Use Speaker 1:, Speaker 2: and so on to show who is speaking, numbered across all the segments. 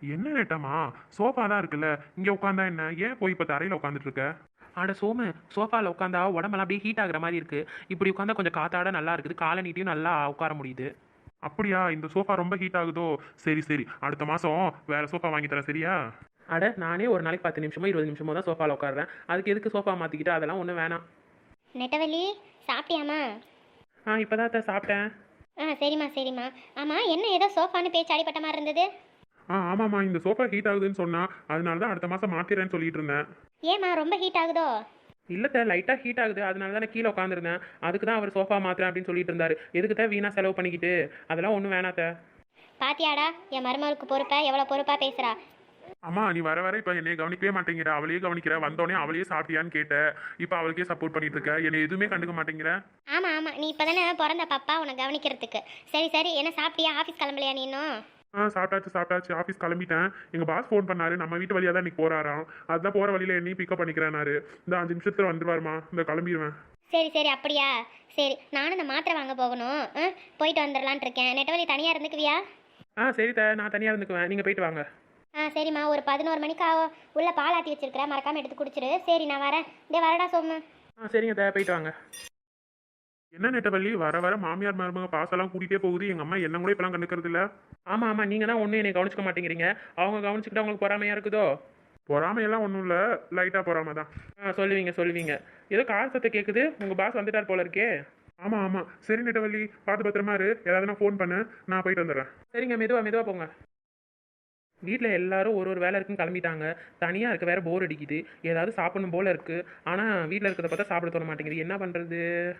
Speaker 1: என்ன நெட்டமா? சோஃபா தான் இருக்குல்ல, இங்க உட்காந்தா என்ன? ஏன் போய் இப்ப தரையில உட்காந்துட்டு இருக்க?
Speaker 2: அட சோமு, சோஃபாவில் உட்காந்தா உடம்பெல்லாம் அப்படியே ஹீட் ஆகுற மாதிரி இருக்கு. இப்படி உட்காந்தா கொஞ்சம் காத்தாட நல்லா இருக்குது, காலை நீட்டியும் நல்லா உட்கார முடியுது.
Speaker 1: அப்படியா? இந்த சோஃபா ரொம்ப ஹீட் ஆகுதோ? சரி சரி, அடுத்த மாசம் வேற சோஃபா வாங்கி தரேன், சரியா?
Speaker 2: அட நானே ஒரு நாளைக்கு 10 நிமிஷமோ 20 நிமிஷமோ தான் சோஃபாவில் உட்காடுறேன். அதுக்கு எதுக்கு சோஃபா மாற்றிக்கிட்டு? அதெல்லாம் ஒன்றும் வேணாம்.
Speaker 3: நெட்டவள்ளி, சாப்பிட்டியாம்மா?
Speaker 2: இப்போ தான் சாப்பிட்டேன்.
Speaker 3: சரிம்மா சரிம்மா. ஆமாம், என்ன ஏதோ சோஃபான்னு பேச்சு அடிப்பட்ட மாதிரி இருந்தது.
Speaker 1: ஆமாம்மா, இந்த சோஃபா ஹீட் ஆகுதுன்னு சொன்னா, அதனால தான் அடுத்த மாசம் மாத்திரேன்னு சொல்லிட்டு இருந்தேன்.
Speaker 3: ஏம்மா ரொம்ப ஹீட் ஆகுதோ?
Speaker 2: இல்லத்த, லைட்டாக ஹீட் ஆகுது, அதனால தான் நான் கீழே உட்காந்துருந்தேன். அதுக்கு தான் அவர் சோஃபா மாத்திரேன் அப்படின்னு சொல்லிட்டு இருந்தாரு. எதுக்கு தான் வீணாக செலவு பண்ணிக்கிட்டு? அதெல்லாம் ஒன்றும் வேணாத்த.
Speaker 3: பாத்தியாடா, என் மருமகளுக்கு பொறுப்பா எவ்வளோ பொறுப்பாக பேசுகிறா.
Speaker 1: அம்மா, நீ வர வர இப்ப என்னைய கவனிக்கவே மாட்டேங்கிற. அவளையே கவனிக்கிற. வந்தோடனே அவளையே சாப்பிட்டியான்னு கேட்ட. இப்ப அவளுக்கே சப்போர்ட் பண்ணிட்டு இருக்க. என்னை எதுவுமே கண்டுக்க மாட்டேங்கிற.
Speaker 3: ஆமாம் ஆமாம், நீ இப்போ தானே பிறந்த பாப்பா, உன்னை கவனிக்கிறதுக்கு. சரி சரி, என்ன சாப்பிட்டியா? ஆஃபீஸ் கிளம்பலையா நீ இன்னும்?
Speaker 1: சாப்பிட்டாச்சு. ஆஃபீஸ் கிளம்பிட்டேன். எங்க பாஸ் ஃபோன் பண்ணாரு. நம்ம வீட்டு வழியா தான் இன்னைக்கு போறாராம். அதுதான் போற வழியில என்னையும் பிக்கப் பண்ணிக்கிறேன்னாரு. இந்த 5 நிமிஷத்துல வந்துருவாருமா. இந்த கிளம்பிடுவேன்.
Speaker 3: சரி சரி, அப்படியா? சரி, நானும் இந்த மாத்திரை வாங்க போகணும். போயிட்டு வந்துடலான் இருக்கேன். நெட்டவள்ளி தனியாக இருந்துக்குவியா?
Speaker 2: சரி நான் தனியாக இருந்துக்குவேன், நீங்கள் போயிட்டு வாங்க.
Speaker 3: சரிம்மா, ஒரு 11 மணிக்கு உள்ள பால் ஆற்றி வச்சிருக்கிறேன், மறக்காமல் எடுத்து குடிச்சிரு. சரி, நான் வரேன். வரடா சோமு.
Speaker 2: சரிங்க போயிட்டு வாங்க.
Speaker 1: என்ன நெட்டவள்ளி, வர வர மாமியார் மருமக பாசெல்லாம் கூட்டிகிட்டே போகுது. எங்க அம்மா என்ன கூட இப்பெல்லாம் கண்டுக்கிறது இல்ல.
Speaker 2: ஆமாம் நீங்கள் தான் ஒன்றும் என்னை கவனிச்சிக்க மாட்டேங்கிறீங்க. அவங்க கவனிச்சுக்கிட்டு அவங்களுக்கு பொறாமையாக இருக்குதோ?
Speaker 1: பொறாமையெல்லாம் ஒன்றும் இல்லை, லைட்டாக பொறாமை தான்.
Speaker 2: சொல்லுவீங்க. ஏதோ கார் சத்தம் கேட்குது, உங்கள் பாஸ் வந்துட்டார் போல இருக்கே.
Speaker 1: ஆமாம். சரி நெட்டவள்ளி, பார்த்து பத்திரமா இரு. ஏதாவது ஃபோன் பண்ணு, நான் போயிட்டு வந்துடுறேன்.
Speaker 2: சரிங்க, மெதுவாக போங்க. வீட்டில் எல்லாரும் ஒரு வேலை இருக்குன்னு கிளம்பிட்டாங்க. தனியாக இருக்க வேற போர் அடிக்குது. ஏதாவது சாப்பிடணும் போல இருக்கு. ஆனால் வீட்டில் இருக்கிறத பார்த்தா சாப்பிட தோண மாட்டேங்குது. என்ன பண்ணுறது?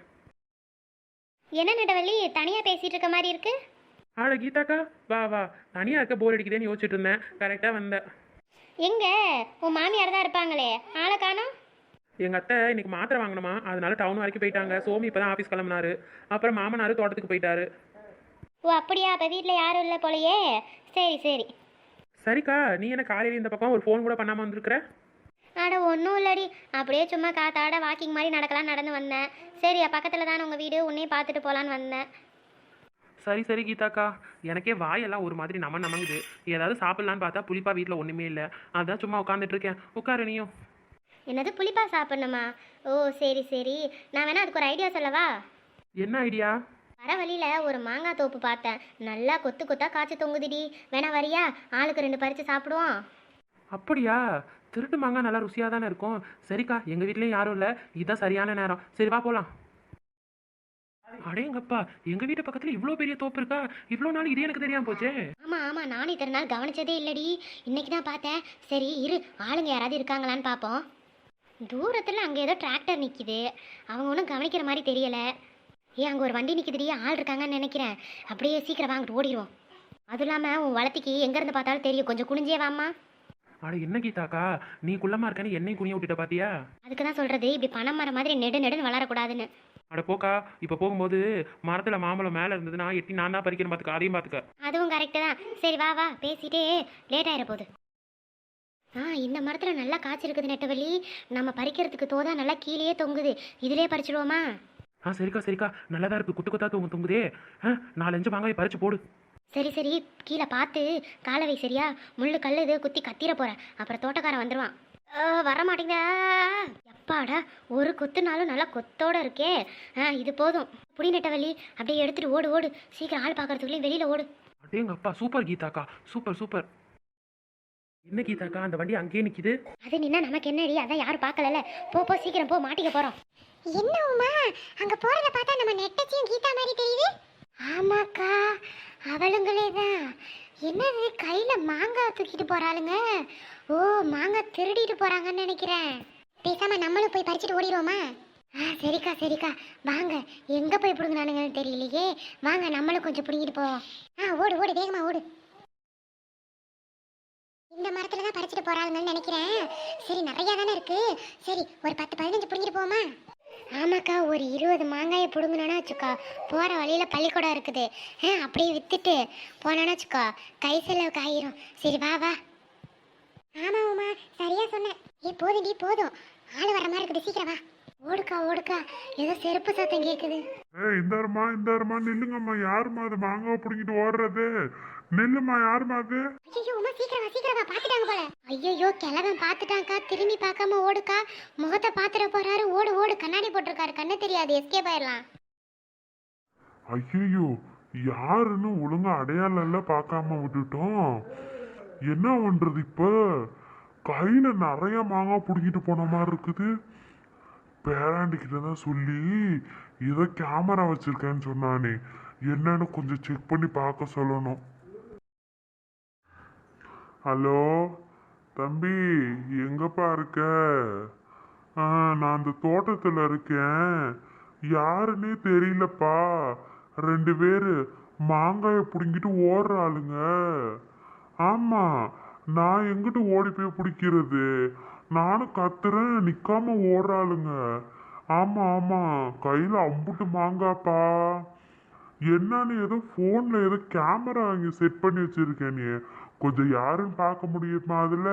Speaker 3: என்ன நெட்டவள்ளி, தனியாக பேசிகிட்டு இருக்க மாதிரி இருக்கு?
Speaker 2: கீதாக்கா, வா. தனியாக இருக்க போர் அடிக்குதேன்னு யோசிச்சுட்டு இருந்தேன். கரெக்டாக வந்தேன்.
Speaker 3: எங்க உன் மாமியார் தான் இருப்பாங்களே, ஆளை காணோம்.
Speaker 2: எங்கள் அத்தை இன்னைக்கு மாத்திரை வாங்கணுமா, அதனால டவுன் வரைக்கும் போயிட்டாங்க. சோமி இப்போ தான் ஆஃபீஸ் கிளம்புனாரு. அப்புறம் மாமனார் தோட்டத்துக்கு போயிட்டாரு.
Speaker 3: ஓ அப்படியா, அப்போ வீட்டில் யாரும் இல்லை போலையே. சரி சரி.
Speaker 2: சரிக்கா, நீ என்ன காலையில் இந்த பக்கம் ஒரு ஃபோன் கூட பண்ணாமல் வந்திருக்கிற?
Speaker 3: அட ஒன்றும் இல்லடி, அப்படியே சும்மா காத்தாட வாக்கிங் மாதிரி நடக்கலாம் நடந்து வந்தேன். சரி, பக்கத்தில் தானே உங்கள் வீடு, உன்னையும் பார்த்துட்டு போகலான்னு வந்தேன்.
Speaker 2: சரி கீதாக்கா, எனக்கே வாயெல்லாம் ஒரு மாதிரி நமங்குது. ஏதாவது சாப்பிட்லான்னு பார்த்தா புளிப்பா வீட்டில் ஒன்றுமே இல்லை. அதான் சும்மா உட்காந்துட்டு இருக்கேன். உட்காரு நீயும்.
Speaker 3: என்னது, புளிப்பா சாப்பிட்ணுமா? ஓ சரி சரி, நான் வேணா அதுக்கு ஒரு ஐடியா சொல்லவா?
Speaker 2: என்ன ஐடியா?
Speaker 3: வர வழியில் ஒரு மாங்காய் தோப்பு பார்த்தேன். நல்லா கொத்து கொத்தா காய்ச்சி தொங்குதுடி. வேணா வரியா? ஆளுக்கு 2 பறித்து சாப்பிடுவோம்.
Speaker 2: அப்படியா? திருட்டு மாங்காய் நல்லா ருசியாக தானே இருக்கும். சரிக்கா, எங்கள் வீட்லேயும் யாரும் இல்லை, இதுதான் சரியான நேரம். சரி வா போகலாம். அடேங்கப்பா, எங்கள் வீட்டு பக்கத்தில் இவ்வளோ பெரிய தோப்பு இருக்கா? இவ்வளோ நாள் இது எனக்கு தெரியாமல் போச்சே.
Speaker 3: ஆமாம், நானும் இத்தனை நாள் கவனிச்சதே இல்லடி. இன்னைக்கு தான் பார்த்தேன். சரி இரு, ஆளுங்க யாராவது இருக்காங்களான்னு பார்ப்போம். தூரத்தில் அங்கே ஏதோ டிராக்டர் நிற்கிது. அவங்க ஒன்றும் கவனிக்கிற மாதிரி தெரியலை. அங்கே ஒரு வண்டி நிற்கிதுடி, ஆள் இருக்காங்கன்னு நினைக்கிறேன். அப்படியே சீக்கிரம் வாங்கிட்டு ஓடிடுவோம். அதுவும் இல்லாமல் உன் வளர்த்திக்கு எங்கேருந்து பார்த்தாலும் தெரியும். கொஞ்சம் குனிஞ்சே வாம்மா.
Speaker 2: அட என்ன கீதாக்கா, நீ குள்ளமாக இருக்கன்னு என்னையும் குனிய விட்டுட்ட பாத்தியா?
Speaker 3: அதுக்கு தான் சொல்கிறது, இப்படி பனை மரம் மாதிரி நெடுன்னு வளரக்கூடாதுன்னு.
Speaker 2: அட போக்கா, இப்போ போகும்போது மரத்தில் மாம்பழம் மேலே இருந்ததுன்னா எட்டி நான் தான் பறிக்கிறேன் பார்த்துக்க. அதையும் பார்த்துக்க.
Speaker 3: அதுவும் கரெக்டு தான். சரி வா, பேசிட்டே லேட் ஆகிட போகுது. இந்த மரத்தில் நல்லா காய்ச்சிருக்குது நெட்டவள்ளி. நம்ம பறிக்கிறதுக்கு தோதா நல்லா கீழேயே தொங்குது. இதிலே பறிச்சிடுவோமா?
Speaker 2: சரிக்கா, நல்லதா இருக்கு. குத்து குத்தா தொங்குதே. 4-5 மாங்காய் பறிச்சு போடு.
Speaker 3: சரி, கீழே பார்த்து காலை வை சரியா? முள்ளு கல் இது குத்தி கத்திர போகிறேன், அப்புறம் தோட்டக்காரன் வந்துடுவான். வர மாட்டேங்குதா? எப்பாடா, ஒரு கொத்துனாலும் நல்லா கொத்தோட இருக்கே. இது போதும். புடி நெட்டவள்ளி, அப்படியே எடுத்துட்டு ஓடு. சீக்கிரம் ஆள் பார்க்கறதுக்குள்ளேயும் வெளியில் ஓடு.
Speaker 2: அடேங்கப்பா, சூப்பர் கீதாக்கா, சூப்பர். என்ன கீதாக்கா, அந்த வண்டி அங்கேயே நிக்குது.
Speaker 3: அது நின்னா நமக்கு என்னடி? அதான் யாரும் பார்க்கல. போ சீக்கிரம் போ, மாட்டிக்க போகிறோம். என்ன உமா, அங்கே போகிறத பார்த்தா நம்ம நெட்டச்சியும் கீதா மாதிரி தெரியுது. ஆமாக்கா, அவளுங்களே தான். என்னது, கையில் மாங்காய் தூக்கிட்டு போகிறாளுங்க. ஓ, மாங்காய் திருடிட்டு போகிறாங்கன்னு நினைக்கிறேன். பேசாமல் நம்மளும் போய் பறிச்சுட்டு ஓடிடுவோமா? சரிக்கா, வாங்க. எங்கே போய் பிடுங்கினானுங்கன்னு தெரியலையே. வாங்க, நம்மளும் கொஞ்சம் பிடுங்கிட்டு போவோம். ஓடு வேகமாக ஓடு. இந்த மரத்தில் தான் பறிச்சுட்டு போகிறாங்கன்னு நினைக்கிறேன். சரி, நிறையா தானே இருக்குது. சரி, ஒரு 10-15 பிடுங்கிட்டு போவோமா? ஆமாக்கா, ஒரு 20 மாங்காயை பிடுங்கணுன்னா வச்சுக்கோ, போகிற வழியில் பள்ளிக்கூடம் இருக்குது. அப்படியே விற்றுட்டு போனோன்னா வச்சுக்கோ, கை செலவுக்கு ஆயிரும். சரி வா. ஆமாம் உமா, சரியா சொன்னேன். போதும். ஆள் வர மாதிரி இருக்குது, சீக்கிரம் வா. ஓடுக்கா, ஏதோ செருப்பு சத்தம் கேட்குது.
Speaker 1: இந்தாருமா நில்லுங்கம்மா. யாருமா அது மாங்காய் பிடிங்கிட்டு ஓடுறது? நில்லுமா, யாருமா அது?
Speaker 3: ஐயோ உமா, சீக்கிரம் வா சீக்கிரம் வா பாத்துட்டாங்க போல. ஐயோ கிழவன் பாத்துட்டாங்கக்கா, திரும்பி பார்க்காம ஓடுக்கா. முகத்தை பாத்துற போறாரு, ஓடு ஓடு. கண்ணாடி போட்டிருக்காரு, கண்ணு தெரியாது, எஸ்கேப் ஆயிடலாம்.
Speaker 4: ஐயோ, யாருன்னு ஒழுங்கா அடையாளம் எல்லாம் பார்க்காம விட்டுட்டோம். என்ன பண்றது இப்ப? கையில நிறைய மாங்காய் பிடிக்கிட்டு போன மாதிரி இருக்குது. பேராண்டிக்கிட்ட தான் சொல்லி ஏதோ கேமரா வச்சிருக்கேன்னு சொன்னானே, என்னன்னு கொஞ்சம் செக் பண்ணி பார்க்க சொல்லணும். ஹலோ தம்பி, எங்கப்பா இருக்க? நான் அந்த தோட்டத்தில் இருக்கேன். யாருன்னே தெரியலப்பா. 2 பேரு மாங்காயை பிடுங்கிட்டு ஓடுற ஆளுங்க. ஆமா, நான் எங்கிட்டு ஓடி போய் பிடிக்கிறது? நானும் கத்துறேன், நிக்காம ஓடுற ஆளுங்க. ஆமா ஆமா, கையில அம்புட்டு மாங்காப்பா. என்னன்னு ஏதோ போன்ல ஏதோ கேமரா வாங்கி செட் பண்ணி வச்சிருக்கேன். நீ கொஞ்சம் யாருன்னு பார்க்க முடியுமா அதுல?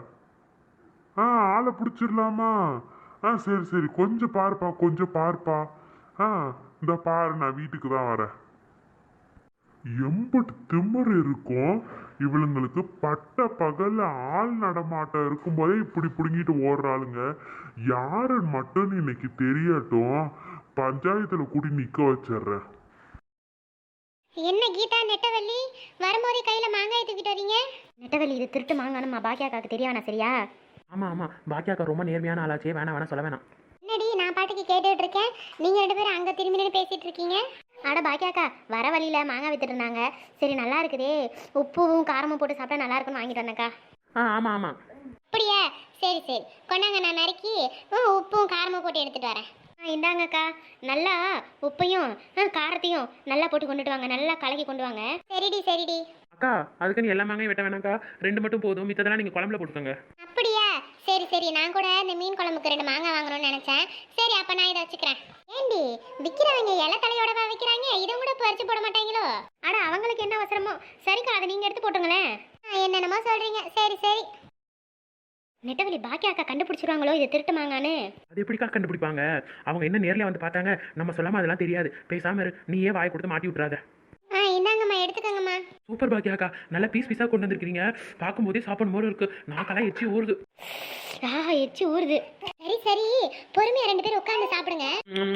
Speaker 4: ஆளை பிடிச்சிடலாமா? சரி சரி, கொஞ்சம் பாருப்பா, கொஞ்சம் பாருப்பா. இந்த பாரு, நான் வீட்டுக்கு தான் வரேன். எம்பட்டு திமிரு இருக்கும் இவளுங்களுக்கு. பட்ட பகல்ல ஆள் நடமாட்டம் இருக்கும்போதே இப்படி பிடுங்கிட்டு ஓடுறாளுங்க. யாருன்னு மட்டும் இன்னைக்கு தெரியட்டும், பஞ்சாயத்துல கூட்டி நிக்க வச்சிடுறேன்.
Speaker 3: என்ன கீதா, நெட்டவள்ளி வரும்போதே கையில மாங்காய் தூக்கிட்டு வரீங்க? நெட்டவள்ளி, இது திருட்டு மாங்கானுமா பாக்கியாக்காக்கு தெரிய வேணாம் சரியா?
Speaker 2: ஆமாம் ஆமாம், பாக்கியாக்கா ரொம்ப நேர்மையான ஆளாச்சே, வேணாம் வேணாம் சொல்ல வேணாம்.
Speaker 3: என்னடி நான் பாட்டுக்கு கேட்டுட்டு இருக்கேன், நீங்க 2 பேரும் அங்க திரும்பி நின்று பேசிட்டு இருக்கீங்க. அட பாக்கியாக்கா, வர வழியில மாங்காய் வித்துட்டு இருந்தாங்க. சரி நல்லா இருக்குதே, உப்பும் காரமும் போட்டு சாப்பிட்டா நல்லா இருக்குன்னு வாங்கிட்டு வந்தேக்கா.
Speaker 2: ஆமாம் ஆமாம்.
Speaker 3: அப்படியா? சரி சரி, கொண்டாங்க, நான் நறுக்கி உப்பும் காரமும் போட்டு எடுத்துட்டு வரேன். இந்தாங்கக்கா, நல்லா உப்பையும் காரத்தையும் நல்லா போட்டு கொண்டுட்டு வாங்க, நல்லா கலக்கி கொண்டு வாங்க. சரிடி சரிடி.
Speaker 2: அக்கா, அதுக்கு நீ எல்லா மாங்காயும் வெட்ட வேணாக்கா, 2 மட்டும் போதும், மித்ததெல்லாம் நீங்கள் குழம்புல போட்டுக்கோங்க.
Speaker 3: அப்படியா? சரி சரி, நான் கூட இந்த மீன் குழம்புக்கு 2 மாங்காய் வாங்கணும்னு நினைச்சேன். சரி அப்ப நான் இதை வச்சுக்கிறேன். ஏண்டி விற்கிறவங்க இலை தலையோடவா விற்கிறாங்க? இதை கூட பறிச்சு போட மாட்டாங்களோ? அட அவங்களுக்கு என்ன அவசரமோ. சரிக்கா, அதை நீங்க எடுத்து போட்டுங்களேன். என்னென்னமோ சொல்றீங்க. சரி சரி. நெட்டவள்ளி, பாக்கியாக்கா கண்டுபிடிச்சிருவாங்களோ இது திருட்டு மாங்கான்னு?
Speaker 2: அது எப்படிக்கா கண்டுபிடிப்பாங்க? அவங்க என்ன நேரில் வந்து பார்த்தாங்க, நம்ம சொல்லாமல் அதெல்லாம் தெரியாது. பேசாம இரு, நீயே வாயை கொடுத்து மாட்டி விட்றாத.
Speaker 3: இந்தாங்கம்மா, எடுத்துக்கோங்கம்மா.
Speaker 2: சூப்பர் பாக்கியாக்கா, நல்லா பீஸ் பீஸாக கொண்டு வந்திருக்கீங்க. பார்க்கும்போதே சாப்பிடும் போது இருக்கு, நாக்கெல்லாம் எச்சி ஊறுது.
Speaker 3: எச்சி ஊறுது. சரி சரி, பொறுமையா 2 பேரும் உட்கார்ந்து சாப்பிடுங்க.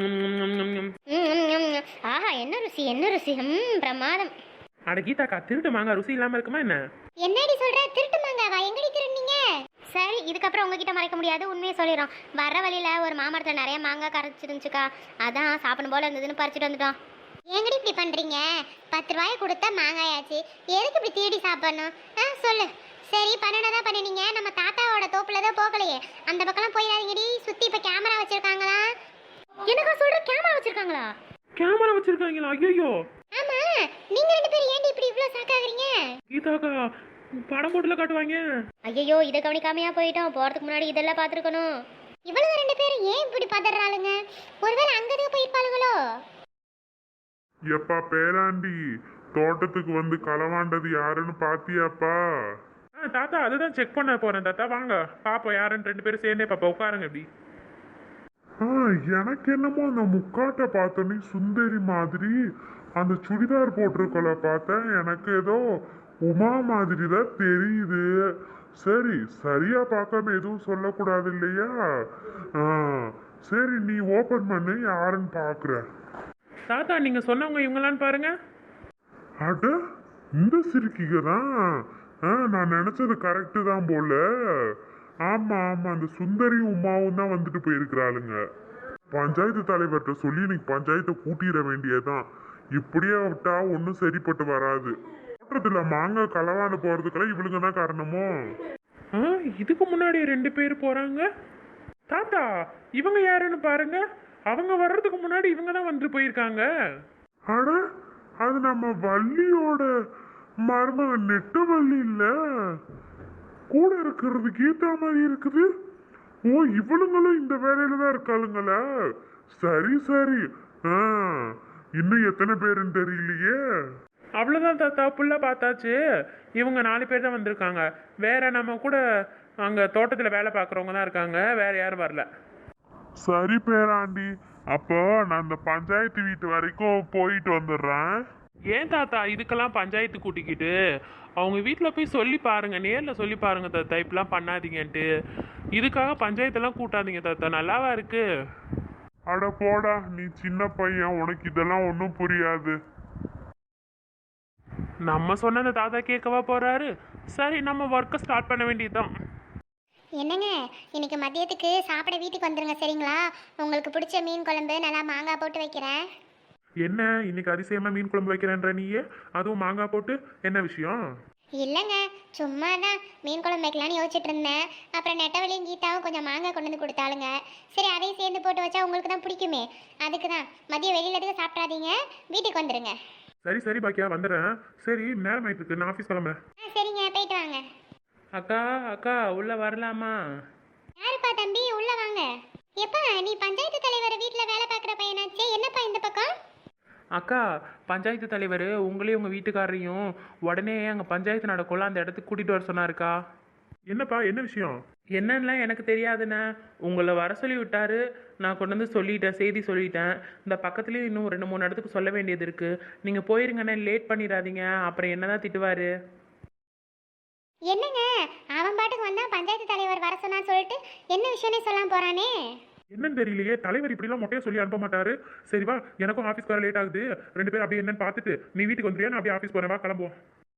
Speaker 3: ஆஹா, என்ன ருசி என்ன ருசி, பிரமாதம்.
Speaker 2: அட கீதாக்கா, திருட்டு மாங்காய் ருசி இல்லாமல் இருக்குமா என்ன?
Speaker 3: என்னடி சொல்ற? திருட்டு மாங்காவா? எங்கடி திருடுனீங்க? சரி, இதுக்கப்புறம் உங்ககிட்ட மறைக்க முடியாது, உண்மையை சொல்லிடுறோம். வர வழியில ஒரு மாமரத்தில் நிறைய மாங்காய் கரைச்சிருந்துச்சுக்கா, அதான் சாப்பிடும் போல இருந்ததுன்னு பறிச்சுட்டு வந்துட்டோம். எங்கடி இப்படி பண்றீங்க? 10 ரூபாயை கொடுத்தா மாங்காயாச்சு, எதுக்கு இப்படி தேடி சாப்பிடணும்? சொல்லு. சரி, பண்ணனதான் பண்ணினீங்க. நம்ம தாத்தாவோட தோப்புல தான் போகலையே, அந்த பக்கம்லாம் போயிடாதீங்கடி. சுத்தி இப்ப கேமரா வச்சிருக்காங்களா? என்னக்கா சொல்ற? கேமரா வச்சிருக்காங்களா?
Speaker 2: கேமரா வச்சிருக்காங்களா? ஐயோ.
Speaker 3: ஆமா, நீங்க 2 பேரும் ஏன்டி இப்படி இவ்ளோ சாக்காகிறீங்க?
Speaker 2: கீதாக்கா, படம் போட்டுல காட்டுவாங்க.
Speaker 3: ஐயோ, இதை கவனிக்காமையா போயிட்டோம். போறதுக்கு முன்னாடி இதெல்லாம் பாத்துருக்கணும். இவ்வளவு 2 பேரும் ஏன் இப்படி பதறாளுங்க? ஒருவேளை அங்கதான் போயிருப்பாளுங்களோ?
Speaker 4: எப்பா பேராண்டி, தோட்டத்துக்கு வந்து களவாண்டது யாருன்னு பாத்தியாப்பா?
Speaker 1: தாத்தா, அதுதான் செக் பண்ண போறேன் தாத்தா. வாங்க பாப்போம் யாருன்னு. 2 பேரும் சேர்ந்தே பாப்பா, உட்காருங்க இப்படி.
Speaker 4: எனக்கு என்னமோ அந்த முக்காட்டை பார்த்தோன்னே சுந்தரி மாதிரி அந்த சுடிதார் போட்டிருக்கல பார்த்தேன். எனக்கு ஏதோ உமா மாதிரி தான் தெரியுது. சரி, சரியா பார்க்காம எதுவும் சொல்லக்கூடாது இல்லையா? சரி, நீ ஓபன் பண்ணு, யாருன்னு பாக்குற.
Speaker 2: தாத்தா, நீங்க சொன்னவங்க இவங்களான்னு பாருங்க.
Speaker 4: அட, இந்த சிரிக்கிங்க தான். நான் நினைச்சது கரெக்டு தான் போல. ஆமா ஆமா, அந்த சுந்தரியும் உமாவும் தான் வந்துட்டு போயிருக்கிறாளுங்க. பஞ்சாயத்து தலைவர்கிட்ட சொல்லி இன்னைக்கு பஞ்சாயத்தை கூட்டிட வேண்டியதான். இப்படியே விட்டா ஒன்றும் சரிப்பட்டு வராது. தோட்டத்துல மாங்காய் களவாண்டு போறதுக்கெல்லாம் இவளுங்க தான் காரணமோ?
Speaker 2: இதுக்கு முன்னாடி 2 பேர் போறாங்க. தாத்தா, இவங்க யாருன்னு பாருங்க. அவங்க வர்றதுக்கு முன்னாடி இவங்க தான் வந்துட்டு போயிருக்காங்க.
Speaker 4: அட, அது நம்ம வள்ளியோட மருமக நெட்டவள்ளி இல்ல? கூட இருக்கிறது கீதா மாதிரி இருக்குது. ஓ, இவளுங்களும் இந்த வேலையில தான் இருக்காளுங்களா? சரி சரி. இன்னும் எத்தனை பேருன்னு தெரியலையே.
Speaker 2: அவ்வளோதான் தாத்தா, ஃபுல்லாக பார்த்தாச்சு. இவங்க 4 பேர் தான் வந்திருக்காங்க. வேற நம்ம கூட அங்கே தோட்டத்தில் வேலை பார்க்குறவங்க தான் இருக்காங்க, வேற யாரும் வரல.
Speaker 4: சரி பேராண்டி, அப்போ நான் அந்த பஞ்சாயத்து வீட்டு வரைக்கும் போயிட்டு வந்துடுறேன்.
Speaker 1: ஏன் தாத்தா இதுக்கெல்லாம் பஞ்சாயத்து கூட்டிக்கிட்டு அவங்க வீட்டில் போய் சொல்லி பாருங்க, நேரில் சொல்லி பாருங்க தாத்தா, இப்படிலாம் பண்ணாதீங்கன்ட்டு. இதுக்காக பஞ்சாயத்தெல்லாம் கூட்டாதீங்க தாத்தா, நல்லாவா இருக்கு?
Speaker 4: அட போடா, நீ சின்ன பையன், உனக்கு இதெல்லாம் ஒன்றும் புரியாது.
Speaker 1: நம்ம சொன்னதை தாத்தா கேட்கவா போறாரு? சரி, நம்ம ஒர்க்கை ஸ்டார்ட் பண்ண வேண்டியதுதான்.
Speaker 3: என்னங்க, இன்னைக்கு மதியத்துக்கு சாப்பிட வீட்டுக்கு வந்துருங்க சரிங்களா? உங்களுக்கு பிடிச்ச மீன் குழம்பு நல்லா மாங்காய் போட்டு வைக்கிறேன்.
Speaker 1: என்ன இன்னைக்கு அதிசயமா மீன் குழம்பு வைக்கிறேன்ற நீயே, அதுவும் மாங்காய் போட்டு? என்ன விஷயம்?
Speaker 3: இல்லைங்க, சும்மா தான் மீன் குழம்பு வைக்கலான்னு யோசிச்சுட்டு இருந்தேன். அப்புறம் நெட்டவழியும் கீதாவும் கொஞ்சம் மாங்காய் கொண்டு வந்து கொடுத்தாளுங்க. சரி, அதையும் சேர்ந்து போட்டு வச்சா உங்களுக்கு தான் பிடிக்குமே, அதுக்கு தான். மதியம் வெளியில எதுக்கு சாப்பிடாதீங்க, வீட்டுக்கு வந்துடுங்க.
Speaker 1: சரி சரி பாக்கியா, வந்துடுறேன். சரி, நேரம் ஆயிட்டு இருக்கு, நான் ஆஃபீஸ் கிளம்புறேன்.
Speaker 3: சரிங்க, போயிட்டு வாங்க.
Speaker 2: அக்கா அக்கா உள்ள வரலாமா?
Speaker 3: யாருப்பா தம்பி, உள்ள வாங்க. எப்பா, நீ பஞ்சாயத்து தலைவர் வீட்டில் வேலை பார்க்குற பையனாச்சே, என்னப்பா இந்த பக்கம்?
Speaker 2: அக்கா, பஞ்சாயத்து தலைவர் உங்களையும் உங்கள் வீட்டுக்காரரையும் உடனே அங்கே பஞ்சாயத்து நடக்கும்ல அந்த இடத்துக்கு கூட்டிகிட்டு வர சொன்னாருக்கா.
Speaker 1: என்னப்பா, என்ன விஷயம்?
Speaker 2: என்னன்னுலாம் எனக்கு தெரியாதுண்ணே, உங்களை வர சொல்லி விட்டாரு. நான் கொண்டு வந்து சொல்லிட்டேன், செய்தி சொல்லிட்டேன். இந்த பக்கத்துலேயும் இன்னும் 2-3 இடத்துக்கு சொல்ல வேண்டியது இருக்குது. நீங்கள் போயிருங்கண்ணே, லேட் பண்ணிடாதீங்க, அப்புறம் என்ன தான் திட்டுவார்.
Speaker 3: என்னங்க, அவன் பாட்டுக்கு வந்தா பஞ்சாயத்து தலைவர் வர சொன்னான்னு சொல்லிட்டு என்ன விஷயம்னே சொல்லாம போறானே?
Speaker 1: என்னன்னு தெரியலையே, தலைவர் இப்படிலாம் மொட்டையா சொல்லி அனுப்ப மாட்டாரு. சரி வா, எனக்கும் ஆஃபீஸ் வர லேட் ஆகுது. 2 பேரும் அப்படியே என்னன்னு பார்த்துட்டு நீ வீட்டுக்கு வந்துறியா, நான் அப்படியே ஆஃபீஸ் போறேன், வா கிளம்புவோம்.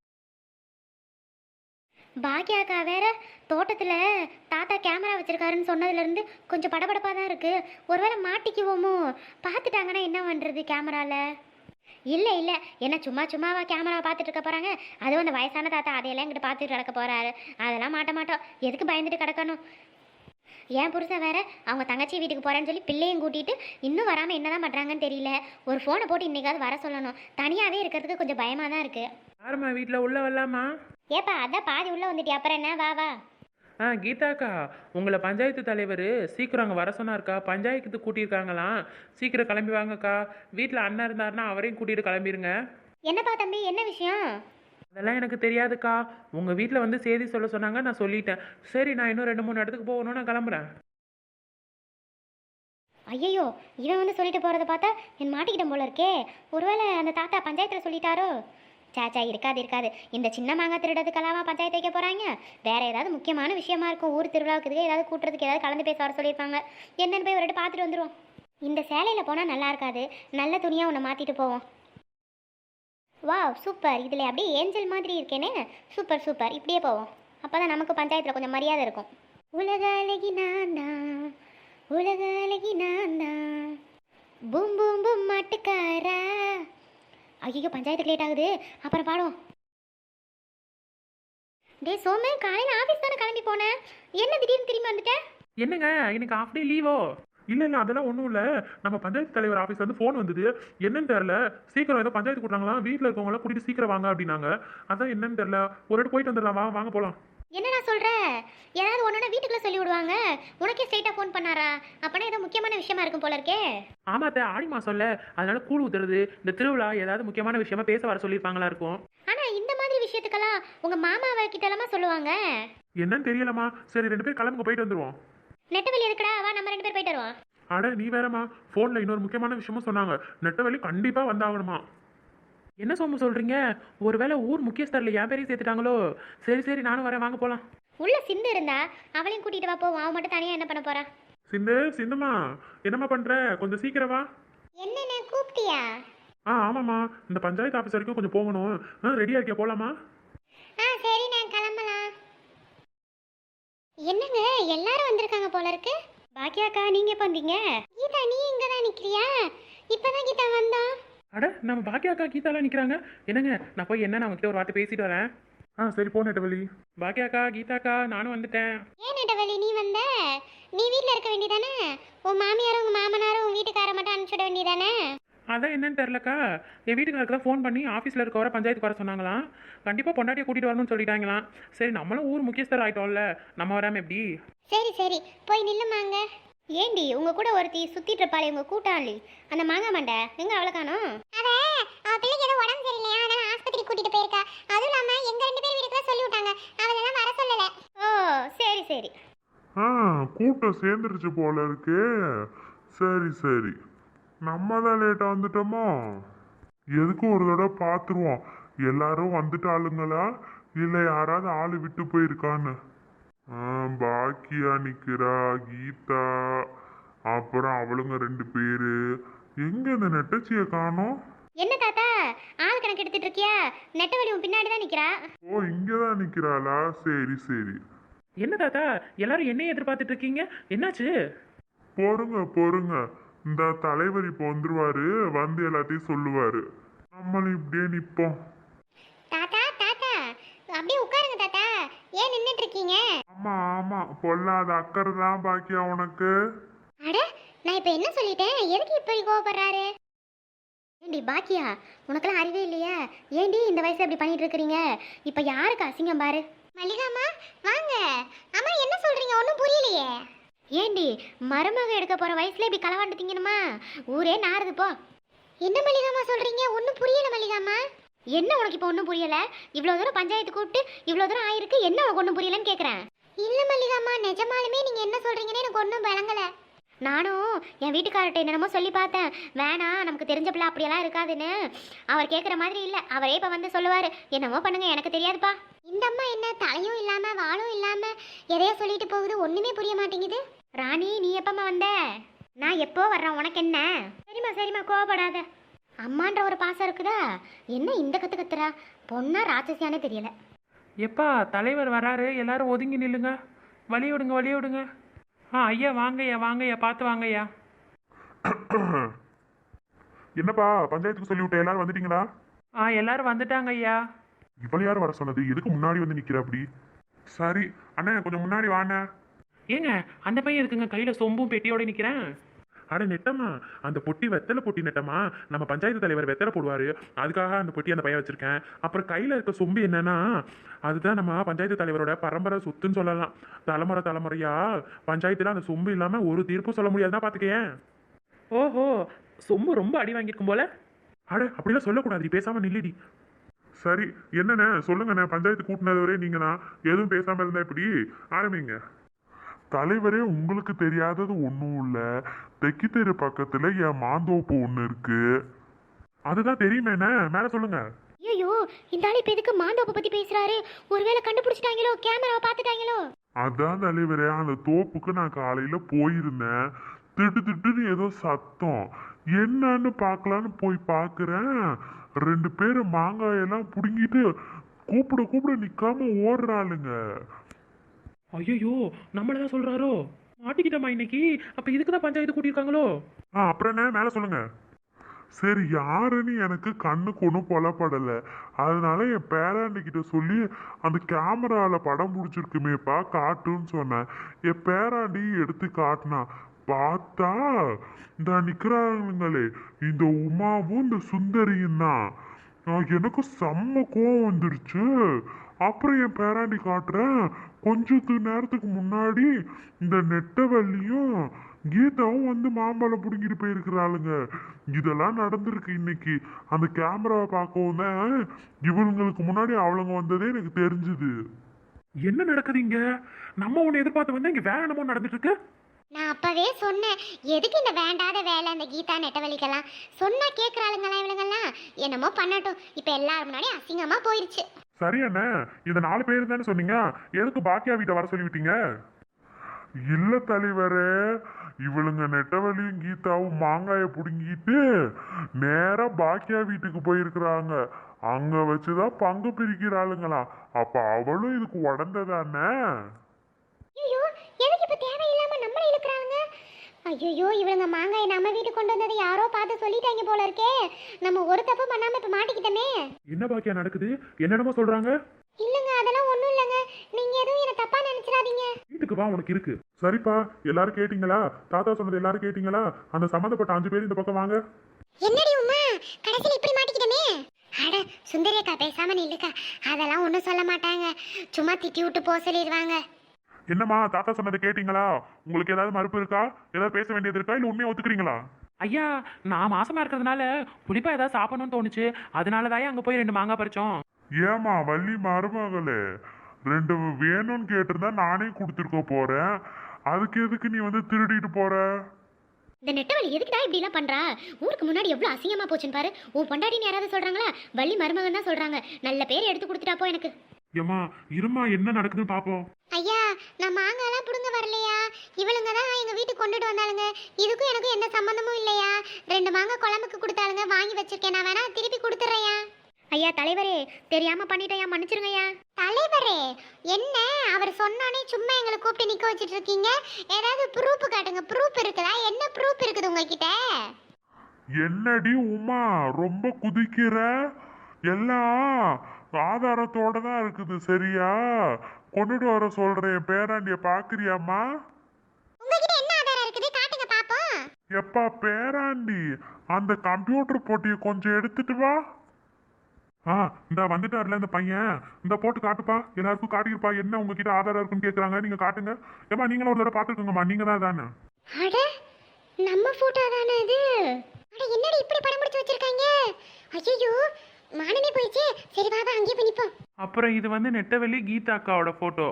Speaker 3: பாக்கியாக்கா வேற தோட்டத்துல தாத்தா கேமரா வச்சிருக்காருன்னு சொன்னதுல இருந்து கொஞ்சம் படபடப்பா தான் இருக்கு. ஒருவேளை மாட்டிக்குவோமோ, பார்த்துட்டாங்கன்னா என்ன பண்றது கேமரால? இல்லை இல்லை, என்ன சும்மா சும்மாவா கேமரா பார்த்துட்டு இருக்க போகிறாங்க? அதுவும் அந்த வயசான தாத்தா அதையெல்லாம் இங்கிட்டு பார்த்துட்டு கிடக்க போகிறாரு. அதெல்லாம் மாட்ட மாட்டோம், எதுக்கு பயந்துட்டு கிடக்கணும்? ஏன் புருஷன் வேற அவங்க தங்கச்சி வீட்டுக்கு போகிறேன்னு சொல்லி பிள்ளையும் கூட்டிகிட்டு இன்னும் வராமல் என்ன தான் பண்ணுறாங்கன்னு தெரியல. ஒரு ஃபோனை போட்டு இன்றைக்காவது வர சொல்லணும். தனியாகவே இருக்கிறதுக்கு கொஞ்சம் பயமாக தான் இருக்குது.
Speaker 2: யாரும்மா வீட்டில் உள்ள வரலாமா?
Speaker 3: ஏப்பா, அதான் பாதி உள்ளே வந்துட்டியா, அப்புறம் என்ன, வா வா.
Speaker 2: கீதாக்கா, உங்களை பஞ்சாயத்து தலைவர் சீக்கிரம் அங்கே வர சொன்னார்க்கா. பஞ்சாயத்துக்கு கூட்டியிருக்காங்களாம், சீக்கிரம் கிளம்பி வாங்கக்கா. வீட்டில் அண்ணன் இருந்தாருன்னா அவரையும் கூட்டிகிட்டு கிளம்பிடுங்க.
Speaker 3: என்னப்பா தம்பி, என்ன விஷயம்?
Speaker 2: அதெல்லாம் எனக்கு தெரியாதுக்கா. உங்கள் வீட்டில் வந்து செய்தி சொல்ல சொன்னாங்க, நான் சொல்லிட்டேன். சரி, நான் இன்னும் 2-3 இடத்துக்கு போகணும், நான் கிளம்புறேன்.
Speaker 3: ஐயோ, இவன் வந்து சொல்லிட்டு போகிறத பார்த்தா என் மாட்டிக்கிட்ட போல இருக்கே. ஒருவேளை அந்த தாத்தா பஞ்சாயத்தில் சொல்லிட்டாரோ? சாச்சா, இருக்காது இருக்காது. இந்த சின்ன மாங்காய் திருடத்துக்கெல்லாம் பஞ்சாயத்து வைக்க போகிறாங்க. வேற ஏதாவது முக்கியமான விஷயமா இருக்கும், ஊர் திருவிழாவுக்கு ஏதாவது கூட்டுறதுக்கு ஏதாவது கலந்து பேச வர சொல்லியிருப்பாங்க. என்னன்னு போய் ஒரு வாட்டி பார்த்துட்டு வந்துடுவோம். இந்த சேலையில் போனால் நல்லா இருக்காது, நல்ல துணியாக உன்னை மாற்றிட்டு போவோம். வாவ், சூப்பர், இதில் அப்படியே ஏஞ்சல் மாதிரி இருக்கேனே. சூப்பர் சூப்பர், இப்படியே போவோம். அப்போ தான் நமக்கு பஞ்சாயத்தில் கொஞ்சம் மரியாதை இருக்கும். உலக அழகி நான் தான், உலக அழகி நான் தான், பூம் பூம் பூம் மாட்டுக்காரா. ஐயோ, பஞ்சாயத்துக்கு லேட் ஆகுது, அப்புறம் பாடுவோம். டே சோமு, காலையில் ஆஃபீஸ் தானே கிளம்பி போனேன், என்ன திடீர்னு திரும்பி வந்துட்டேன்?
Speaker 2: என்னங்க, இன்னைக்கு ஆஃப் டே லீவோ?
Speaker 1: இல்லை இல்லை, அதெல்லாம் ஒன்றும் இல்லை. நம்ம பஞ்சாயத்து தலைவர் ஆஃபீஸ் வந்து ஃபோன் வந்தது. என்னன்னு தெரில, சீக்கிரம் ஏதோ பஞ்சாயத்து கூட்டாங்களாம், வீட்டில் இருக்கவங்களாம் கூட்டிட்டு சீக்கிரம் வாங்க அப்படின்னாங்க. அதான் என்னன்னு தெரில, ஒரு வாட்டி போயிட்டு வந்துடலாம், வாங்க போகலாம்.
Speaker 3: என்ன நான் சொல்கிறேன், யாராவது ஒன்றா வீட்டுக்குள்ளே சொல்லி விடுவாங்க. உனக்கே ஸ்ட்ரைட்டாக ஃபோன் பண்ணாரா? அப்போனா ஏதோ முக்கியமான விஷயமா இருக்கும் போல இருக்கே.
Speaker 2: ஆமாத்த, ஆடி மாதம்ல, அதனால கூழ் ஊத்துறது, இந்த திருவிழா ஏதாவது முக்கியமான விஷயமா பேச வர சொல்லியிருப்பாங்களா இருக்கும்.
Speaker 3: ஆனால் இந்த மாதிரி விஷயத்துக்கெல்லாம் உங்கள் மாமாவை கிட்டலாமா சொல்லுவாங்க?
Speaker 1: என்னன்னு தெரியலம்மா. சரி, 2 பேர் கிளம்புங்க, போயிட்டு வந்துடுவோம்.
Speaker 3: நெட்டவெளி இருக்குடா, வா நம்ம 2 பேர் போயிட்டு வருவோம்.
Speaker 1: அட நீ வேறம்மா, ஃபோனில் இன்னொரு முக்கியமான விஷயமும் சொன்னாங்க. நெட்டவெளி கண்டிப்பாக வந்தாகணுமா.
Speaker 2: என்ன சோமு சொல்கிறீங்க? ஒருவேளை ஊர் முக்கியஸ்தரில் என் பேரையும் சேர்த்துட்டாங்களோ? சரி சரி, நானும் வரேன், வாங்க போகலாம்.
Speaker 3: உள்ள சிந்து இருந்தா அவளையும் கூட்டிட்டு வா, போவோம். அவன் மட்டும் தனியாக என்ன பண்ண போறா?
Speaker 1: சிந்துமா, என்னம்மா பண்ணுற? கொஞ்சம் சீக்கிரம் வா.
Speaker 3: என்ன கூப்பிட்டியா?
Speaker 1: ஆமாம்மா, இந்த பஞ்சாயத்து ஆஃபீஸ் வரைக்கும் கொஞ்சம் போகணும். ரெடியாக இருக்கியா, போகலாமா?
Speaker 3: சரி, நான் கிளம்பலாம். என்னங்க, எல்லாரும் வந்திருக்காங்க போல இருக்கு. பாக்கியாக்கா, நீங்க எப்போ வந்தீங்க? கீதா, நீ இங்க தான் நிக்கிறியா? இப்பதான் கீதா வந்தா.
Speaker 2: அட, நம்ம பாக்கியாக்கா கீதாலாம் நிற்கிறாங்க. என்னங்க, நான் போய் என்ன அவங்ககிட்ட ஒரு வார்த்தை பேசிட்டு வரேன்.
Speaker 1: சரி, போ நெட்டவெளி.
Speaker 2: பாக்கியாக்கா, கீதாக்கா, நானும் வந்துட்டேன்.
Speaker 3: ஏன் நெட்டவெளி நீ வந்த? நீ வீட்டில் இருக்க வேண்டியதானே? உன் மாமியாரும் உங்க மாமனாரும் உன் வீட்டுக்கார மட்டும் அனுப்பிச்சுட வேண்டியதானே?
Speaker 2: அதான் என்னன்னு தெரிலக்கா, என் வீட்டுக்காரருக்கு தான் ஃபோன் பண்ணி ஆஃபீஸில் இருக்க வர பஞ்சாயத்துக்கு வர சொன்னாங்களாம். கண்டிப்பாக பொண்டாட்டியை கூட்டிகிட்டு வரணும்னு சொல்லிட்டாங்களாம். சரி, நம்மளும் ஊர் முக்கியஸ்தர் ஆகிட்டோம்ல, நம்ம வராமல் எப்படி?
Speaker 3: சரி சரி, போய் நில்லுமாங்க. ஏண்டி, உங்க கூட ஒருத்தி சுத்திட்டு இருப்பாளே, உங்க கூட்டாளி, அந்த மாங்காய் மண்டை எங்க? அவளை காணோம். அவ பிள்ளைக்கு ஏதோ உடம்பு சரியில்லையா, அதனால ஆஸ்பத்திரி கூட்டிட்டு போயிருக்கா. அதுவும் இல்லாம எங்க 2 பேர் வீட்டுக்குள்ள சொல்லி விட்டாங்க, அவளெல்லாம் வர சொல்லல. ஓ, சரி சரி.
Speaker 4: கூட்டம் சேர்ந்துருச்சு போல இருக்கு. சரி சரி, நம்ம தான் லேட்டாக வந்துட்டோமோ? எதுக்கும் ஒரு தடவை பார்த்துருவோம் எல்லாரும் வந்துட்டாளுங்களா இல்லை யாராவது ஆளு விட்டு போயிருக்கான்னு. பாக்கியா நிக்கிறா, கீதா, அப்புறம் அவளுங்க 2 பேரு. எங்க இந்த நெட்டச்சியை காணோம்?
Speaker 3: என்ன தாத்தா ஆள் கணக்கு எடுத்துட்டு இருக்கியா? நெட்டவழி உன் பின்னாடி தான் நிக்கிறா.
Speaker 4: ஓ, இங்கதான் நிக்கிறாளா? சரி சரி.
Speaker 2: என்ன தாத்தா எல்லாரும் என்னைய எதிர்பார்த்துட்டு இருக்கீங்க, என்னாச்சு?
Speaker 4: பொறுங்க பொறுங்க, இந்த தலைவர் இப்போ வந்துருவாரு, வந்து எல்லாத்தையும் சொல்லுவாரு. நம்மளும் இப்படியே நிப்போம்.
Speaker 3: தாத்தா தாத்தா அப்படியே உட்காருங்க தாத்தா, ஏன் நின்னுட்டு இருக்கீங்க?
Speaker 4: ஆமா ஆமா, பொல்லாத அக்கறை தான் பாக்கியா உனக்கு.
Speaker 3: அட நான் இப்ப என்ன சொல்லிட்டேன், எதுக்கு இப்படி கோவப்படுறாரு? ஏண்டி பாக்கியா, உனக்கெல்லாம் அறிவே இல்லையா? ஏண்டி இந்த வயசுல இப்படி பண்ணிட்டு இருக்கிறீங்க? இப்ப யாருக்கு அசிங்கம் பாரு. மல்லிகாமா வாங்க. அம்மா என்ன சொல்றீங்க, ஒன்றும் புரியலையே. ஏண்டி மருமக எடுக்க போற வயசுல இப்படி களவாண்டு திங்கணுமா? ஊரே நாறுது போ. என்ன மல்லிகாமா சொல்றீங்க, ஒன்றும் புரியல மல்லிகாமா. என்ன உனக்கு இப்போ ஒன்றும் புரியல? இவ்வளோ தூரம் பஞ்சாயத்து கூப்பிட்டு இவ்வளோ தூரம் ஆயிருக்கு, என்ன உனக்கு ஒன்றும் புரியலன்னு கேட்குறேன். இல்லை மல்லிகாமா, நிஜமாலுமே நீங்கள் என்ன சொல்கிறீங்கன்னு எனக்கு ஒன்றும் விளங்கலை. நானும் என் வீட்டுக்காரர்கிட்ட என்னென்னமோ சொல்லி பார்த்தேன், வேணாம் நமக்கு தெரிஞ்ச பிள்ளை அப்படியெல்லாம் இருக்காதுன்னு. அவர் கேட்குற மாதிரி இல்லை, அவரே இப்போ வந்து சொல்லுவார், என்னமோ பண்ணுங்க எனக்கு தெரியாதுப்பா. இந்த அம்மா என்ன தலையும் இல்லாமல் வாழும் இல்லாமல் எதையோ சொல்லிட்டு போகுது, ஒன்றுமே புரிய மாட்டேங்குது. ராணி நீ எப்பம்மா வந்த? நான் எப்போ வர்றேன், உனக்கு என்ன? சரிம்மா சரிம்மா, கோவப்படாத. அம்மான்ற ஒரு பாசம் இருக்குதா? என்ன இந்த கத்து கத்துறா? பொண்ணா ராட்சசியானே தெரியல.
Speaker 2: எப்பா தலைவர் வராரு, எல்லாரும் ஒதுங்கி நில்லுங்க, வழி விடுங்க வழி விடுங்க. ஐயா வாங்கய்யா வாங்கய்யா, பார்த்து வாங்கய்யா.
Speaker 4: என்னப்பா பஞ்சாயத்துக்கு சொல்லி விட்ட, எல்லாரும் வந்துட்டீங்களா?
Speaker 2: எல்லாரும் வந்துட்டாங்க ஐயா.
Speaker 4: இவ்வளவு யார் வர சொன்னது? எதுக்கு முன்னாடி வந்து நிக்கிற அப்படி? சரி அண்ணே, கொஞ்சம் முன்னாடி வாண்ணே.
Speaker 2: ஏங்க அந்த பையன் இருக்குங்க கையில சொம்பும் பெட்டியோட நிக்கிறேன்.
Speaker 1: அட நெட்டம்மா, அந்த பொட்டி வெத்தலை பொட்டி நெட்டம்மா. நம்ம பஞ்சாயத்து தலைவர் வெத்தலை போடுவாரு, அதுக்காக அந்த பொட்டி அந்த பையன் வச்சிருக்கேன். அப்புறம் கையில இருக்க சொம்பு என்னன்னா, அதுதான் நம்ம பஞ்சாயத்து தலைவரோட பரம்பரை சொத்துன்னு சொல்லலாம். தலைமுறை தலைமுறையா பஞ்சாயத்துல அந்த சொம்பு இல்லாம ஒரு தீர்ப்பும் சொல்ல முடியாதுதான் பாத்துக்கேன்.
Speaker 2: ஓஹோ, சொம்பு ரொம்ப அடி வாங்கியிருக்கும் போல.
Speaker 1: அட அப்படிலாம் சொல்லக்கூடாது, பேசாம நில்லுடி.
Speaker 4: சரி என்னண்ணே சொல்லுங்கண்ணே, பஞ்சாயத்து கூட்டினது வரை நீங்க தான் எதுவும் பேசாம இருந்தா இப்படி ஆரம்பிங்க. தலைவரே, உங்களுக்கு தெரியாதது ஒன்றும் இல்லை. தெக்கி தெரு பக்கத்துல என் மாந்தோப்பு ஒன்று இருக்கு.
Speaker 1: அதுதான் தெரியுமேண்ணே, மேல சொல்லுங்க.
Speaker 3: ஐயோ இந்த ஆள் இப்போ எதுக்கு மாந்தோப்பை பற்றி பேசுகிறாரு? ஒருவேளை கண்டுபிடிச்சிட்டாங்களோ, கேமராவை பார்த்துட்டாங்களோ?
Speaker 4: அதான் தலைவரே, அந்த தோப்புக்கு நான் காலையில போயிருந்தேன். திட்டுன்னு ஏதோ சத்தம், என்னன்னு பார்க்கலான்னு போய் பார்க்குறேன். 2 பேர் மாங்காயெல்லாம் பிடுங்கிட்டு கூப்பிட நிக்காம ஓடுறாளுங்க.
Speaker 2: ஐயோ நம்மளதான் சொல்றாரோ, மாட்டிக்கிட்டோமா இன்னைக்கு? அப்ப இதுக்கு தான் பஞ்சாயத்து கூட்டியிருக்காங்களோ?
Speaker 4: அப்புறம் என்ன மேல சொல்லுங்க. சரி யாருன்னு எனக்கு கண்ணுக்கு ஒன்றும் புலப்படலை. அதனால என் பேராண்டிக்கிட்ட சொல்லி அந்த கேமராவில் படம் பிடிச்சிருக்குமேப்பா காட்டுன்னு சொன்னேன். என் பேராண்டி எடுத்து காட்டினா, பார்த்தா இந்த நிற்கிறாங்களே இந்த உமாவும் இந்த சுந்தரியும் தான். எனக்கு செம்ம கோவம் வந்துருச்சு. அப்புறம் என் பேராண்டி காட்டுறேன், கொஞ்சத்து நேரத்துக்கு முன்னாடி இந்த நெட்டவள்ளியும் கீதாவும் வந்து மாம்பழம் பிடுங்கிட்டு போயிருக்கிறாளுங்க. இதெல்லாம் நடந்திருக்கு இன்னைக்கு. அந்த கேமராவை பார்க்கவும் தான் இவங்களுக்கு முன்னாடி அவளுங்க வந்ததே எனக்கு தெரிஞ்சுது.
Speaker 1: என்ன நடக்குதுங்க? நம்ம ஒண்ணு எதிர்பார்த்து வந்தா இங்க வேற என்னமோ நடந்துட்டு இருக்கு.
Speaker 3: நான் அப்பவே சொன்னேன், எதுக்கு இந்த வேண்டாத வேலை அந்த கீதா நெட்டவழிக்கெல்லாம்? சொன்னா கேட்குறாளுங்களா இவளுங்கெல்லாம்? என்னமோ பண்ணட்டும், இப்போ எல்லாரும் முன்னாடி அசிங்கமா போயிருச்சு.
Speaker 1: சரி அண்ணே, இந்த 4 பேர் தானே சொன்னீங்க, எதுக்கு பாக்கியா வீட்டை வர சொல்லிவிட்டீங்க?
Speaker 4: இல்ல தலைவரே, இவளுங்க நெட்டவழியும் கீதாவும் மாங்காய புடுங்கிட்டு நேரா பாக்கியா வீட்டுக்கு போயிருக்கிறாங்க. அங்க வச்சுதான் பங்கு பிரிக்கிறாளுங்களா. அப்ப அவளும் இதுக்கு உடந்ததானே?
Speaker 3: ஐயோ எதுக்கு இப்போ தேவையில்லாம நம்மளை இழுக்கிறாங்க? ஐயோ இவளுங்க மாங்காய் நம்ம வீட்டுக்கு கொண்டு வந்ததை யாரோ பார்த்து சொல்லிட்டாங்க போல இருக்கே. நம்ம ஒரு தப்பு பண்ணாம இப்போ மாட்டிக்கிட்டோமே.
Speaker 1: என்ன பாக்கியா நடக்குது? என்னென்னமோ சொல்றாங்க.
Speaker 3: இல்லைங்க அதெல்லாம் ஒன்றும் இல்லைங்க, நீங்க எதுவும் என்ன தப்பா நினைச்சிடாதீங்க.
Speaker 1: வீட்டுக்கு வா, உனக்கு இருக்கு.
Speaker 4: சரிப்பா, எல்லாரும் கேட்டீங்களா? தாத்தா சொன்னது எல்லாரும் கேட்டீங்களா? அந்த சம்மந்தப்பட்ட 5 பேர் இந்த பக்கம் வாங்க.
Speaker 3: என்னடி உமா, கடைசியில் இப்படி மாட்டிக்கிட்டோமே. அட சுந்தரியக்கா பேசாம நில்லுக்கா, அதெல்லாம் ஒன்றும் சொல்ல மாட்டாங்க, சும்மா திட்டி விட்டு போக சொல்லிடுவாங்க.
Speaker 4: என்னம்மா, தாத்தா சொன்னதை கேட்டீங்களா? உங்களுக்கு ஏதாவது மறுப்பு இருக்கா? ஏதாவது பேச வேண்டியது இருக்கா? இல்ல உண்மையை ஒத்துக்கிறீங்களா?
Speaker 2: ஐயா நான் மாசமா இருக்கிறதுனால புளிப்பா ஏதாவது சாப்பிடணும்னு தோணுச்சு, அதனாலதான் அங்க போய் 2 மாங்காய் பறிச்சோம்.
Speaker 4: ஏமா வள்ளி மருமகளே, 2 வேணும்னு கேட்டிருந்தா நானே கொடுத்துருக்க போறேன். அதுக்கு எதுக்கு நீ வந்து திருடிட்டு போற?
Speaker 3: இந்த நெட்டவழி எதுக்குடா இப்படி எல்லாம் பண்றா? ஊருக்கு முன்னாடி எவ்வளவு அசிங்கமா போச்சுன்னு பாரு. உன் பொண்டாட்டின்னு யாராவது சொல்றாங்களா? வள்ளி மருமகன் தான் சொல்றாங்க. நல்ல பேர் எடுத்து கொடுத்துட்டா போ எனக்கு.
Speaker 1: ஏம்மா இருமா, என்ன நடக்குதுன்னு பாப்போம்.
Speaker 3: ஐயா, நான் மாங்காலாம் புடுங்க வரலையா. இவளுங்க தான் எங்க வீட்டுக்கு கொண்டுட்டு வந்தாளுங்க. இதுக்கும் எனக்கும் எந்த சம்பந்தமும் இல்லையா. 2 மாங்காய் குழம்புக்கு கொடுத்தாளுங்க, வாங்கி வச்சிருக்கேன். நான் வேணா திருப்பி கொடுத்துறேயா. ஐயா தலைவரே, தெரியாம பண்ணிட்டேயா, மன்னிச்சிருங்கய்யா. தலைவரே என்ன அவர் சொன்னானே சும்மா எங்களை கூப்பிட்டு நிக்க வச்சிட்டு இருக்கீங்க? ஏதாவது ப்ரூஃப் காட்டுங்க. ப்ரூஃப் இருக்குதா? என்ன ப்ரூஃப் இருக்குது உங்ககிட்ட?
Speaker 4: என்னடி உமா ரொம்ப குதிக்கிற? எல்லாம் ஆதாரத்தோட தான் இருக்குது சரியா? கொண்டுட்டு வர சொல்றேன். பேராண்டிய பாக்குறியாம்மா?
Speaker 3: உங்ககிட்ட என்ன ஆதாரம் இருக்குது? காட்டுங்க பாப்போம்.
Speaker 4: எப்பா பேராண்டி, அந்த கம்ப்யூட்டர் போட்டியை கொஞ்சம் எடுத்துட்டு வா.
Speaker 1: இந்த வந்துட்டார்ல இந்த பையன், இந்த போட்டு காட்டுப்பா, எல்லாருக்கும் காட்டியிருப்பா. என்ன உங்ககிட்ட ஆதாரம் இருக்குன்னு கேட்குறாங்க, நீங்க காட்டுங்க. ஏமா நீங்களும் ஒரு தடவை பார்த்துக்கோங்கம்மா, நீங்க தான் தானே.
Speaker 3: அட நம்ம போட்டோ தானே இது? அட என்னடி இப்படி படம் பிடிச்சு வச்சிருக்காங்க? ஐயோ மானமே போயிடுச்சு. சரி பாபா அங்கேயே போய் நிப்போம்.
Speaker 2: அப்புறம் இது வந்து நெட்டவெளி கீதா அக்காவோட ஃபோட்டோ.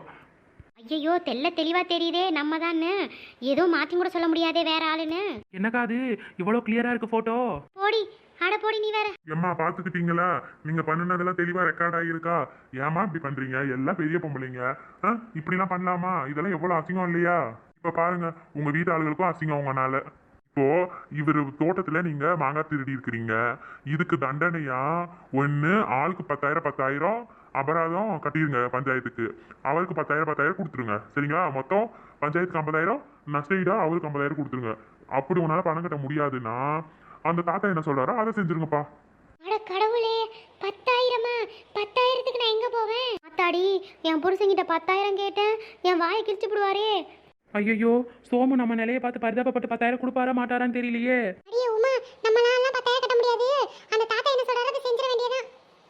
Speaker 3: ஐயோ தெளிவா தெரியுதே நம்ம தான்னு. ஏதோ மாத்தி கூட சொல்ல முடியாதே வேற ஆளுன்னு.
Speaker 2: என்னக்கா அது இவ்வளோ கிளியரா இருக்கு ஃபோட்டோ?
Speaker 3: போடி, அட போடி நீ வேற.
Speaker 1: ஏம்மா பாத்துக்கிட்டீங்களா? நீங்க பண்ணுனதெல்லாம் தெளிவா ரெக்கார்ட் ஆகியிருக்கா? ஏமா இப்படி பண்றீங்க? எல்லாம் பெரிய பொம்பளைங்க, இப்படிலாம் பண்ணலாமா? இதெல்லாம் எவ்வளவு அசிங்கம் இல்லையா? இப்ப பாருங்க, உங்க வீட்டு ஆளுகளுக்கும் அசிங்கம் உங்கனால. இப்போ இவர் தோட்டத்துல நீங்க மாங்காய் திருடி இருக்கிறீங்க. இதுக்கு தண்டனையா ஒண்ணு ஆளுக்கு 10,000 அபராதம் கட்டிடுங்க பஞ்சாயத்துக்கு. அவருக்கு 10,000 கொடுத்துருங்க சரிங்களா? மொத்தம் பஞ்சாயத்துக்கு 50,000, நஷ்டஈடா அவருக்கு 50,000 கொடுத்துருங்க. அப்படி உன்னால பணம் கட்ட முடியாதுன்னா அந்த தாத்தா என்ன சொல்றாரோ அதை செஞ்சிருங்கப்பா.
Speaker 3: அட கடவுளே, 10,000? 10,000க்கு நான் எங்க போவேன்? அத்தாடி, என் புருஷன்கிட்ட 10,000 கேட்டேன், என் வாயை கிழிச்சு விடுவாரே.
Speaker 2: ஐயோ சோமு நம்ம நிலையை பார்த்து பரிதாபப்பட்டு 10,000 கொடுப்பாரா மாட்டாரான்னு தெரியலையே.
Speaker 3: அடியே உமா, நம்மளால 10,000 கட்ட முடியாது. அந்த தாத்தா என்ன சொல்றாரோ அதை செஞ்சிட வேண்டியதான்.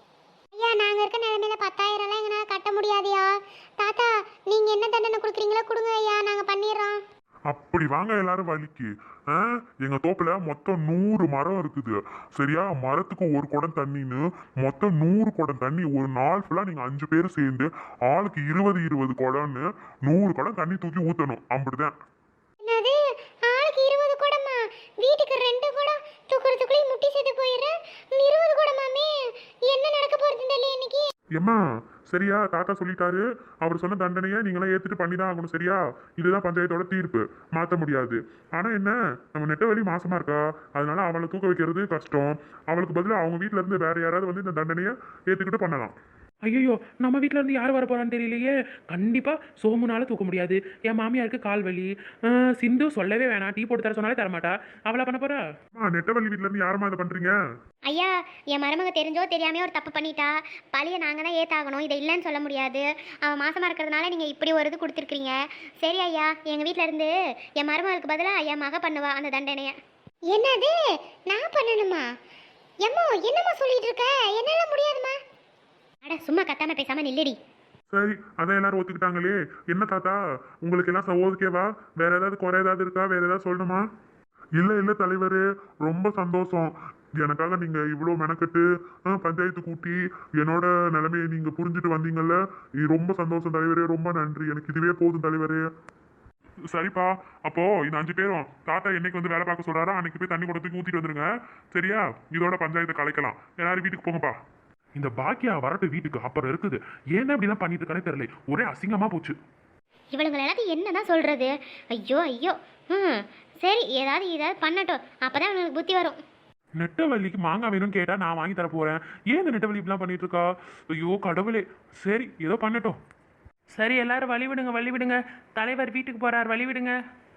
Speaker 3: ஐயா நாங்க இருக்க நிலைமையில 10,000 எல்லாம் எங்களால கட்ட முடியாதுயா. தாத்தா நீங்க என்ன தண்டனை கொடுக்குறீங்களோ கொடுங்க ஐயா, நாங்க பண்ணிடுறோம்.
Speaker 4: அப்படி வாங்க எல்லாரும் வலிக்கு. எங்க தோப்புல மொத்தம் 100 மரம் இருக்குது சரியா? மரத்துக்கு 1 குடம் தண்ணின்னு மொத்தம் 100 குடம் தண்ணி. ஒரு நாள் ஃபுல்லா நீங்க 5 பேர் சேர்ந்து ஆளுக்கு 20 குடம்னு 100 குடம் தண்ணி தூக்கி ஊத்தணும். அப்படிதான்.
Speaker 3: என்னது ஆளுக்கு 20 குடமா? வீட்டுக்கு 2 குடம் தூக்குறதுக்குள்ளே முட்டி செத்து போயிடுறேன். 20 குடமாமே? என்ன நடக்க போறது தெரியல இன்னைக்கு.
Speaker 1: ஏம்மா சரியா? தாத்தா சொல்லிட்டாரு, அவர் சொன்ன தண்டனையை நீங்களாம் ஏத்துட்டு பண்ணி தான் ஆகணும் சரியா? இதுதான் பஞ்சாயத்தோட தீர்ப்பு, மாற்ற முடியாது. ஆனா என்ன, நம்ம நெட்டவழி மாசமா இருக்கா, அதனால அவளை தூக்க வைக்கிறது கஷ்டம். அவளுக்கு பதிலாக அவங்க வீட்ல இருந்து வேற யாராவது வந்து இந்த தண்டனையை ஏத்துக்கிட்டு பண்ணலாம்.
Speaker 2: ஐயோ நம்ம வீட்டில் இருந்து யார் வர போறான்னு தெரியலையே. கண்டிப்பா சோமுனால தூக்க முடியாது. என் மாமியாருக்கு கால் வலி. சிந்து சொல்லவே வேணாம், டீ போட்டு தர சொன்னாலே தரமாட்டா. அவளா பண்ண போறா?
Speaker 1: நெட்டவழி வீட்ல இருந்து யாருமா இதை பண்றீங்க?
Speaker 3: ஐயா என் மருமக தெரிஞ்சோ தெரியாமையோ ஒரு தப்பு பண்ணிட்டா. பழியை நாங்கள் தான் ஏத்தாகணும். இதை இல்லைன்னு சொல்ல முடியாது. அவன் மாசமா இருக்கிறதுனால நீங்கள் இப்படி ஒரு இது கொடுத்துருக்கீங்க. சரி ஐயா, எங்கள் வீட்டில் இருந்து என் மருமகளுக்கு பதிலாக என் மக பண்ணுவா அந்த தண்டனையை. என்னது நான் பண்ணணுமா? எம்மோ என்னம்மா சொல்லிட்டு இருக்க? என்னால முடியாதுமா. அட சும்மா கத்தாம பேசாம நில்லடி.
Speaker 1: சரி, அதான் எல்லாரும் ஒத்துக்கிட்டாங்களே. என்ன தாத்தா, உங்களுக்கு எல்லாம் ஓகேவா? வேற ஏதாவது குறை ஏதாவது இருக்கா? வேற ஏதாவது சொல்லணுமா?
Speaker 4: இல்ல தலைவரே, ரொம்ப சந்தோஷம். எனக்காக நீங்க இவ்வளோ மெனக்கட்டு பஞ்சாயத்து கூட்டி என்னோட நிலைமையை நீங்க புரிஞ்சுட்டு வந்தீங்கல்ல, ரொம்ப சந்தோஷம் தலைவரே. ரொம்ப நன்றி. எனக்கு இதுவே போதும் தலைவரே.
Speaker 1: சரிப்பா, அப்போ இந்த 5 பேரும் தாத்தா என்னைக்கு வந்து வேலை பார்க்க சொல்றாரோ அன்னைக்கு போய் தண்ணி கொடுத்து ஊத்திட்டு வந்துருங்க சரியா? இதோட பஞ்சாயத்தை கலைக்கலாம். எல்லாரும் வீட்டுக்கு போங்கப்பா. இந்த பாக்கியா வரட்டு வீட்டுக்கு அப்புறம் இருக்குது. ஏன்னா இப்படிலாம் பண்ணிட்டு இருக்கானே தெரியல, ஒரே அசிங்கமா போச்சு.
Speaker 3: இவளுங்களை எல்லாத்தையும் என்னதான் சொல்றது? ஐயோ ஐயோ. சரி ஏதாவது பண்ணட்டும், அப்பதான் அவங்களுக்கு புத்தி வரும்.
Speaker 1: நெட்டவள்ளிக்கு மாங்காய் வேணும்னு கேட்டா நான் வாங்கி தர போறேன். ஏன் இந்த நெட்டவள்ளி இப்படிலாம் பண்ணிட்டு இருக்கா? ஐயோ கடவுளே. சரி ஏதோ பண்ணட்டும்.
Speaker 2: சரி எல்லாரும் வழி விடுங்க, வழி விடுங்க. தலைவர் வீட்டுக்கு போறார், வழி விடுங்க.